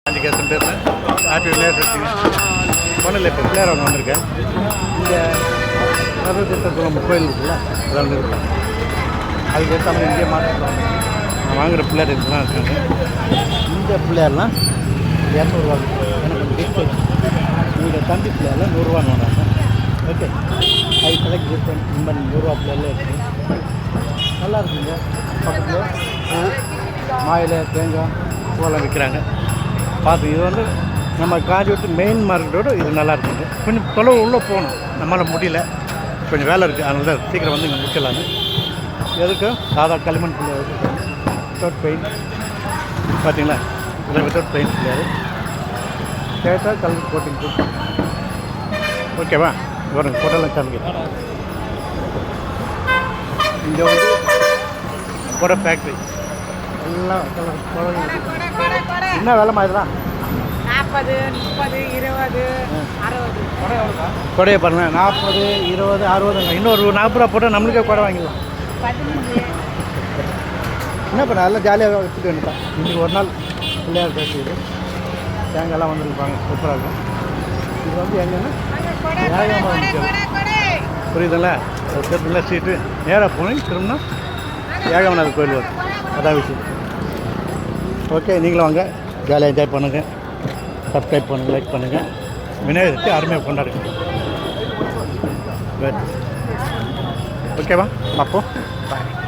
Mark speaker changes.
Speaker 1: கேசன் பேசுகிறேன். ஹாப்பி விநாயகர் ஒன்றும் இல்லை. இப்போ பிள்ளையார் அவங்க வந்திருக்கேன். இங்கே சர்வதீர்த்தகுளம் கோயில் இருக்குல்ல, அதெல்லாம் இருக்காங்க. அதுக்கு ஏற்ற இங்கேயே மாற்றிக்கலாம். நான் வாங்குகிற பிள்ளையார் இதெல்லாம் இருக்காங்க. இந்த பிள்ளையார்லாம் 200 எனக்கு டிஸ்கவுண்ட். உங்களுடைய தம்பி பிள்ளையாரில் 100 வராங்க. Okay, I select different. இந்த 100 பிள்ளையாரில் இருக்குது. நல்லா இருக்குங்க. பக்கத்தில் பூ, மாயிலை, தேங்காய் பூவெல்லாம் விற்கிறாங்க. பார்த்து இது வந்து நம்ம காஞ்சிபுரத்து மெயின் மார்க்கெட்டோடு இது நல்லா இருக்குங்க. கொஞ்சம் தொலைவு உள்ளே போகணும், நம்மளால் முடியல, கொஞ்சம் வேலை இருக்குது. அதனால தான் சீக்கிரம் வந்து இங்கே முடிக்கலான்னு. எதுக்கு சாதா களிமண் பிள்ளையார் வித்தவுட் பெயிண்ட் பார்த்தீங்களா? இதில் வித்தவுட் பெயிண்ட் பிள்ளையார் கேட்டால் கல்வி கோட்டிங் கொடுப்போம். ஓகேவா? வரும் கொடலாம் காமிக்க. இங்கே வந்து கொடை ஃபேக்ட்ரி எல்லாம் என்ன வேலைமா இதெல்லாம்?
Speaker 2: 40, 30, 20, 60.
Speaker 1: கொடையை பாருங்கள். 40, 20, 60. இன்னொரு 40 ரூபா போட்டால் நம்மளுக்கே கொடை வாங்கிடலாம்.
Speaker 2: 15.
Speaker 1: என்ன பண்ண அதெல்லாம் ஜாலியாக வச்சுட்டு வேண்டியதான். இன்றைக்கி ஒரு நாள் பிள்ளையார் பேசிது. தேங்காயெல்லாம் வந்துருப்பாங்க, சூப்பராக இருக்கும். இது வந்து எங்கன்னா புரியுதுல்ல? சேர்த்துல சீட்டு நேராக போனேன், திரும்பினா ஏகவநாதர் கோயில் வரும். அதான் விஷயம். ஓகே, நீங்களும் வாங்க, ஜாலியாக என்ஜாய் பண்ணுங்கள். சப்ஸ்கிரைப் பண்ணுங்கள், லைக் பண்ணுங்கள். விநாயகருக்கு அருமையாக கொண்டாடுங்க. ஓகேவா? அப்போ பாய்.